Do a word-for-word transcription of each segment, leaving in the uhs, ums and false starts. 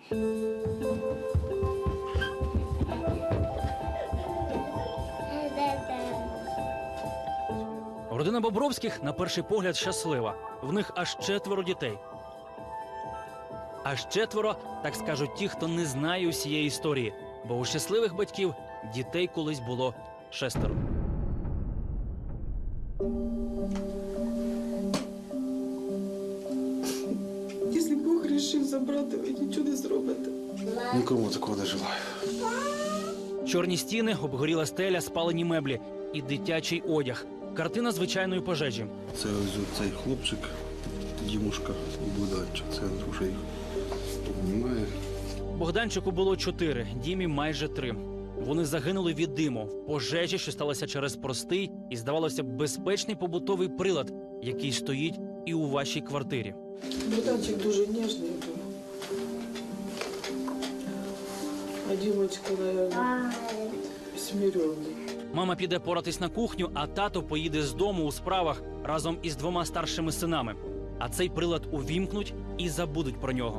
Родина Бобровських, на перший погляд, щаслива. В них аж четверо дітей. Аж четверо, так скажуть ті, хто не знає усієї історії. Бо у щасливих батьків дітей колись було шестеро. Якщо Бог вирішив забрати, ви нічого не зробите. Нікому такого не желаю. Чорні стіни, обгоріла стеля, спалені меблі і дитячий одяг. Картина звичайної пожежі. Це ось цей хлопчик, Дімушка і Богданчик. Це вже їх немає. Богданчику було чотири, Дімі майже три. Вони загинули від диму в пожежі, що сталося через простий і, здавалося б, безпечний побутовий прилад, який стоїть і у вашій квартирі. Богданчик дуже ніжний був. А Дімочка, мабуть, смиренний. Мама піде поратись на кухню, а тато поїде з дому у справах разом із двома старшими синами. А цей прилад увімкнуть і забудуть про нього.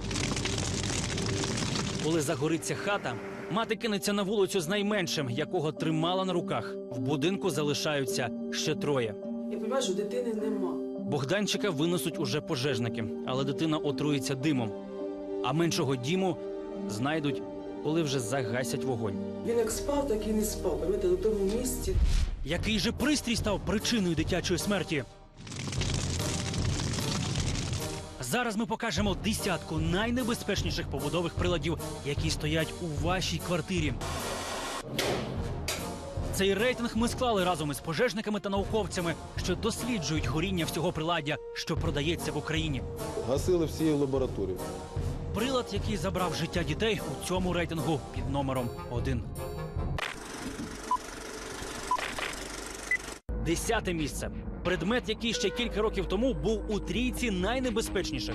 Коли загориться хата, мати кинеться на вулицю з найменшим, якого тримала на руках. В будинку залишаються ще троє. Я розумію, що дитини нема. Богданчика винесуть уже пожежники, але дитина отруїться димом. А меншого Діму знайдуть, коли вже загасять вогонь. Він як спав, так і не спав. Пам'ятаєте, на тому місці. Який же пристрій став причиною дитячої смерті? Зараз ми покажемо десятку найнебезпечніших побутових приладів, які стоять у вашій квартирі. Цей рейтинг ми склали разом із пожежниками та науковцями, що досліджують горіння всього приладдя, що продається в Україні. Гасили всі лабораторії. Прилад, який забрав життя дітей у цьому рейтингу під номером один. Десяте місце. Предмет, який ще кілька років тому був у трійці найнебезпечніших.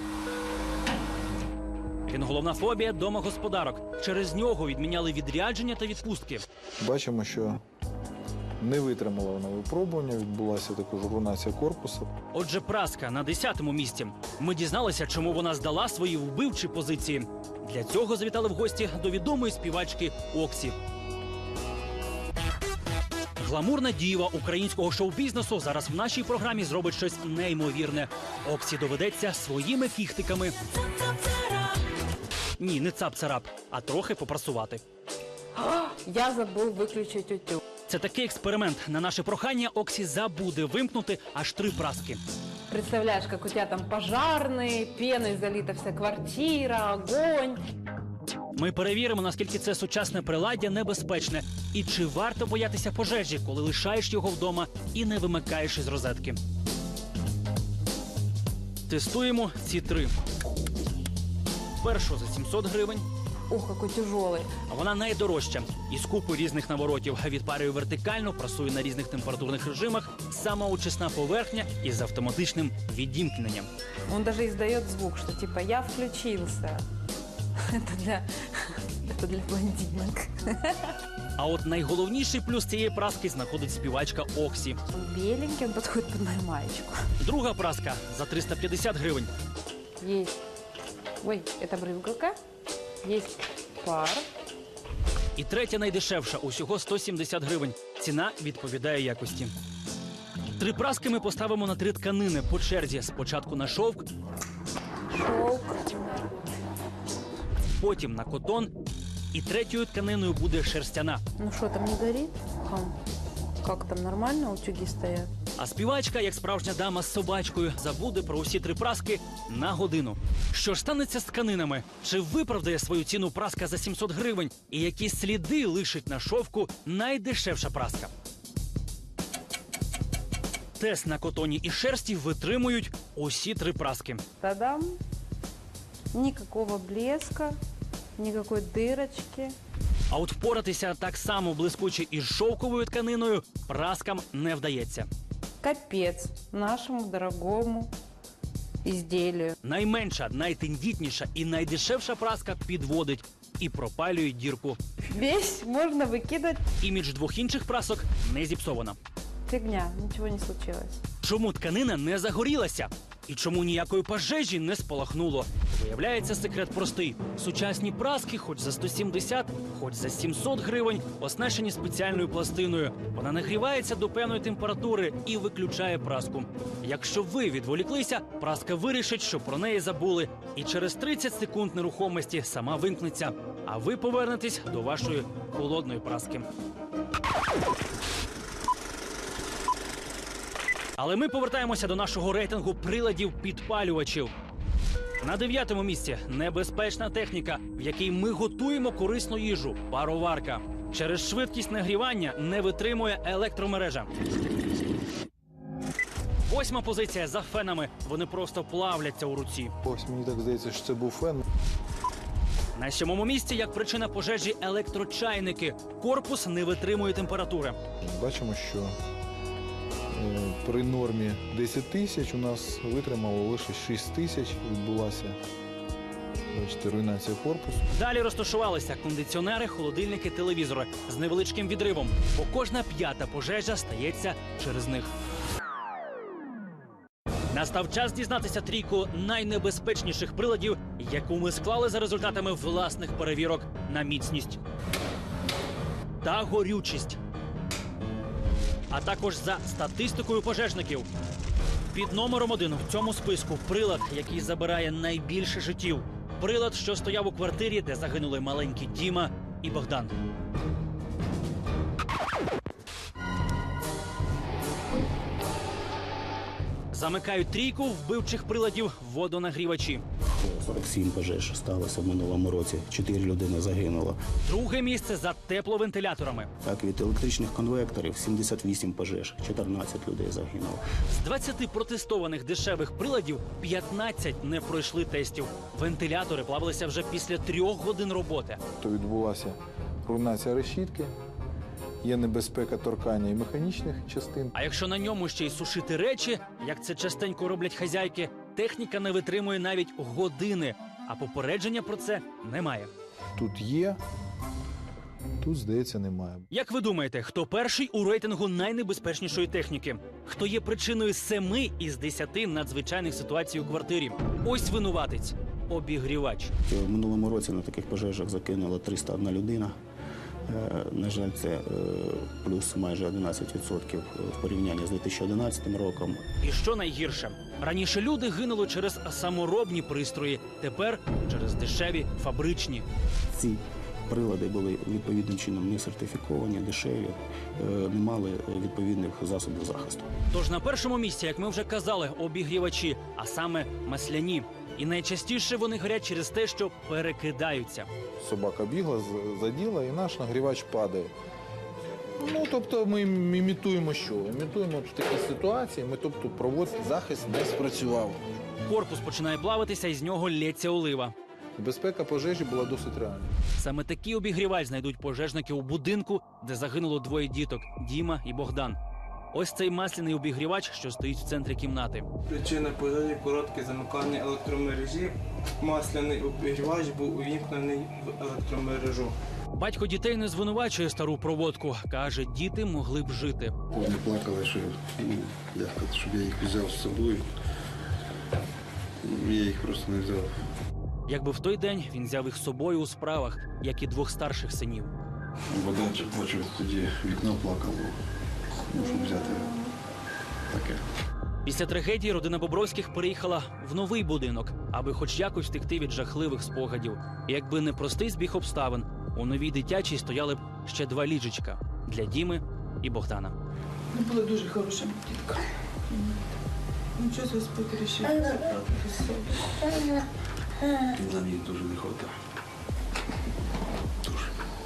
Він головна фобія домогосподарок. Через нього відміняли відрядження та відпустки. Бачимо, що не витримала вона випробування, відбулася також руйнація корпусу. Отже, праска на десятому місці. Ми дізналися, чому вона здала свої вбивчі позиції. Для цього завітали в гості до відомої співачки Оксі. Гламурна діва українського шоу-бізнесу зараз в нашій програмі зробить щось неймовірне. Оксі доведеться своїми кіхтиками. Ні, не цап-царап, а трохи попрасувати. Я забув виключити утюг. Це такий експеримент. На наше прохання Оксі забуде вимкнути аж три праски. Представляешь, как у тебя там пожарные, пеной залита вся квартира, огонь. Ми перевіримо, наскільки це сучасне приладдя небезпечне. І чи варто боятися пожежі, коли лишаєш його вдома і не вимикаєш із розетки. Тестуємо ці три. Першу за сімсот гривень. Ух, какой тяжелый. А вона найдорожча. Із купи різних наворотів. Відпарює вертикально, прасує на різних температурних режимах. Самоочисна поверхня із автоматичним відімкненням. Он даже издает звук, что типа я включился. Это для, это для блондинок. А от найголовніший плюс цієї праски знаходить співачка Оксі. Он беленький, он подходит под мою маечку. Друга праска за триста п'ятдесят гривень. Есть. Ой, это брызгалка. Есть пар. І третя найдешевша, усього сто сімдесят гривень. Ціна відповідає якості. Три праски ми поставимо на три тканини по черзі. Спочатку на шовк, Шелк. потім на котон. І третьою тканиною буде шерстяна. Ну что, там не горит? Хам. Как там, нормально утюги стоят? А співачка, як справжня дама з собачкою, забуде про усі три праски на годину. Що ж станеться з тканинами? Чи виправдає свою ціну праска за сімсот гривень? І які сліди лишить на шовку найдешевша праска? Тест на котоні і шерсті витримують усі три праски. Та-дам. Никакого блеска, никакой дырочки. А от впоратися так само блискуче із шовковою тканиною праскам не вдається. Капец нашему дорогому изделию. Найменша, найтендітніша і найдешевша праска підводить і пропалює дірку. Весь можно выкидывать. Імідж двох інших прасок не зіпсовано. Фигня, ничего не случилось. Чому тканина не загорілася? І чому ніякої пожежі не спалахнуло? Виявляється, секрет простий. Сучасні праски, хоч за сто сімдесят, хоч за сімсот гривень, оснащені спеціальною пластиною. Вона нагрівається до певної температури і виключає праску. Якщо ви відволіклися, праска вирішить, що про неї забули. І через тридцять секунд нерухомості сама вимкнеться. А ви повернетесь до вашої холодної праски. Але ми повертаємося до нашого рейтингу приладів-підпалювачів. На дев'ятому місці небезпечна техніка, в якій ми готуємо корисну їжу – пароварка. Через швидкість нагрівання не витримує електромережа. Восьма позиція за фенами. Вони просто плавляться у руці. Ось мені так здається, що це був фен. На сьомому місці, як причина пожежі, електрочайники. Корпус не витримує температури. Бачимо, що е, при нормі десять тисяч у нас витримало лише шість тисяч. Відбулася, бачите, руйнація корпусу. Далі розташувалися кондиціонери, холодильники, телевізори з невеличким відривом, бо кожна п'ята пожежа стається через них. Настав час дізнатися трійку найнебезпечніших приладів, яку ми склали за результатами власних перевірок на міцність та горючість, а також за статистикою пожежників. Під номером один в цьому списку прилад, який забирає найбільше життів. Прилад, що стояв у квартирі, де загинули маленькі Діма і Богдан. Замикають трійку вбивчих приладів водонагрівачі. сорок сім пожеж сталося в минулому році. Чотири людини загинуло. Друге місце за тепловентиляторами. Так, від електричних конвекторів сімдесят вісім пожеж, чотирнадцять людей загинуло. З двадцяти протестованих дешевих приладів п'ятнадцять не пройшли тестів. Вентилятори плавилися вже після трьох годин роботи. То відбулася руйнація решітки, є небезпека торкання і механічних частин. А якщо на ньому ще й сушити речі, як це частенько роблять хазяйки, техніка не витримує навіть години, а попередження про це немає. Тут є, тут, здається, немає. Як ви думаєте, хто перший у рейтингу найнебезпечнішої техніки? Хто є причиною семи із десяти надзвичайних ситуацій у квартирі? Ось винуватець – обігрівач. В минулому році на таких пожежах закинула триста одна людина. Е, На жаль, це е, плюс майже одинадцять відсотків в порівнянні з дві тисячі одинадцятим роком. І що найгірше? Раніше люди гинули через саморобні пристрої, тепер через дешеві фабричні. Ці прилади були відповідним чином не сертифіковані, дешеві, е, не мали відповідних засобів захисту. Тож на першому місці, як ми вже казали, обігрівачі, а саме масляні. І найчастіше вони горять через те, що перекидаються. Собака бігла, з- заділа, і наш нагрівач падає. Ну, тобто ми ім- імітуємо що? Імітуємо в такій ситуації, ми, тобто, проводимо захист не спрацював. Корпус починає плавитися, і з нього лється олива. Безпека пожежі була досить реальна. Саме такий обігрівач знайдуть пожежники у будинку, де загинуло двоє діток – Діма і Богдан. Ось цей масляний обігрівач, що стоїть в центрі кімнати. Причина пожежі – коротке замикання електромережі. Масляний обігрівач був увімкнений в електромережу. Батько дітей не звинувачує стару проводку. Каже, діти могли б жити. Вони плакали, що, ну, як сказати, щоб я їх взяв з собою. Я їх просто не взяв. Якби в той день він взяв їх з собою у справах, як і двох старших синів. Богданчик плачив тоді, вікно плакало. Ну, щоб взяти таке. Після трагедії родина Бобровських переїхала в новий будинок, аби хоч якось втекти від жахливих спогадів. І якби не простий збіг обставин, у новій дитячій стояли б ще два ліжечка – для Діми і Богдана. Вона була дуже хороша дітка. Ну, щось Господь вирішив забрати без себе. Нам їх дуже не хватає. Дуже.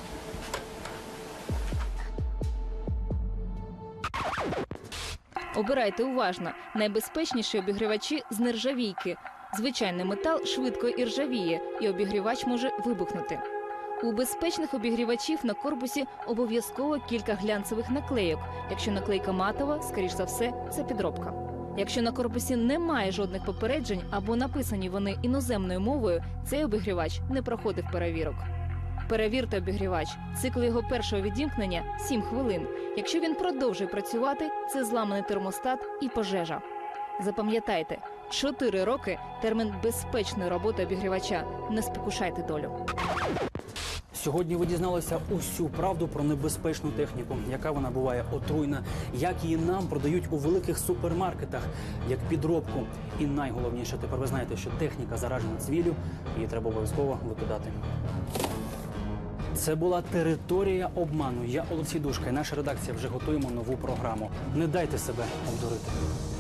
Обирайте уважно. Найбезпечніші обігрівачі з нержавійки. Звичайний метал швидко іржавіє, і обігрівач може вибухнути. У безпечних обігрівачів на корпусі обов'язково кілька глянцевих наклейок. Якщо наклейка матова, скоріш за все, це підробка. Якщо на корпусі немає жодних попереджень або написані вони іноземною мовою, цей обігрівач не проходив перевірок. Перевірте обігрівач. Цикл його першого відімкнення – сім хвилин. Якщо він продовжує працювати, це зламаний термостат і пожежа. Запам'ятайте, Чотири роки – термін безпечної роботи обігрівача. Не спокушайте долю. Сьогодні ви дізналися усю правду про небезпечну техніку, яка вона буває отруйна, як її нам продають у великих супермаркетах, як підробку. І найголовніше, тепер ви знаєте, що техніка заражена цвіллю, її треба обов'язково викидати. Це була територія обману. Я Олексій Душка і наша редакція вже готуємо нову програму. Не дайте себе обдурити.